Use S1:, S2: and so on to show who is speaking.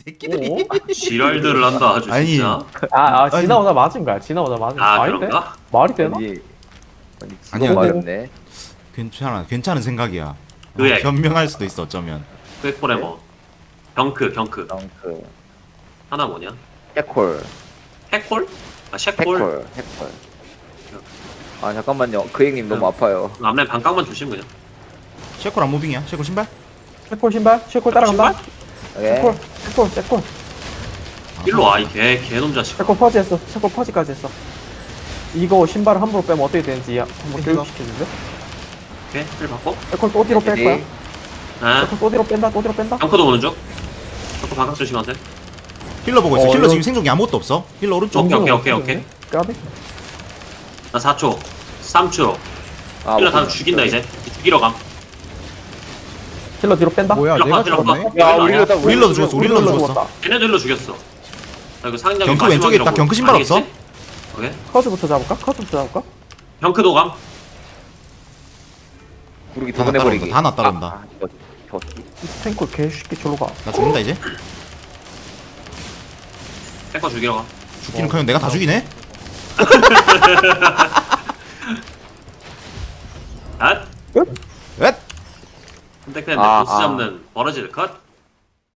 S1: 새끼들이.
S2: 지랄들을 한다 아주
S1: 아니.
S2: 진짜.
S3: 지나오다 맞은 거야. 지나오다 맞은 거야.
S2: 아
S3: 아닌데?
S2: 그런가?
S3: 말이 되나?
S4: 아니
S1: 아니야,
S4: 지금 말했네.
S1: 괜찮은 생각이야.
S2: 의액.
S1: 변명할 수도 있어 어쩌면.
S2: 퀘포레머. 경크
S4: 덩크
S2: 하나 뭐냐?
S4: 해콜
S2: 해콜? 아 셰콜.
S4: 해콜. 아 잠깐만요. 그 형님 너무 아파요.
S2: 앞라인 반각만 조심 그냥.
S1: 쉐콜 안 무빙이야? 쉐콜 신발?
S3: 쉐콜 신발? 쉐콜 따라간다?
S4: 예.
S3: 쉐콜.
S2: 일로 와 이 개놈 자식.
S3: 쉐콜 퍼지 했어. 쉐콜 퍼지까지 했어. 이거 신발을 함부로 빼면 어떻게 되는지 한번
S1: 이거.
S3: 교육시켜줄래?
S2: 오케이 힐 받고.
S3: 쉐콜 또 뒤로 뺄 거야.
S2: 아
S3: 쉐콜 또 뒤로 뺀다.
S2: 경크도 오는 중. 경크 반각 조심하세요.
S1: 힐러 보고 있어.
S3: 어,
S1: 힐러
S3: 이거-
S1: 지금 생존기 아무것도 없어. 힐러 오른쪽.
S2: 오케이.
S3: 까비?
S2: 나 4초. 3초.
S4: 아,
S2: 힐러 다 죽인다 이제. 죽이러 감.
S3: 힐러 뒤로 뺀다.
S5: 뭐야
S2: 힐러
S5: 내가
S2: 힐러
S5: 죽었네?
S4: 야
S2: 힐러 아니야?
S1: 윌러도 죽었어. 윌러도 죽었어.
S3: 죽었다.
S2: 걔네들로 죽였어. 나 이거 상장이
S1: 경크 왼쪽에 있다. 경크 신발 없어?
S2: 오케이.
S3: 커즈부터 잡을까?
S2: 경크도 감.
S4: 구르기
S1: 다
S4: 두번 해버리기.
S1: 다 따라온다.
S4: 아, 이거
S3: 이 탱크 개쉽게 졸로 가.
S1: 나 죽는다 이제.
S2: 탱커 죽이러 가.
S1: 죽기는 커녕 내가 다 죽이네.
S2: 아?
S1: 웻.
S2: 근데 그냥
S4: 아,
S2: 보스
S4: 아.
S2: 잡는 버러지를 컷.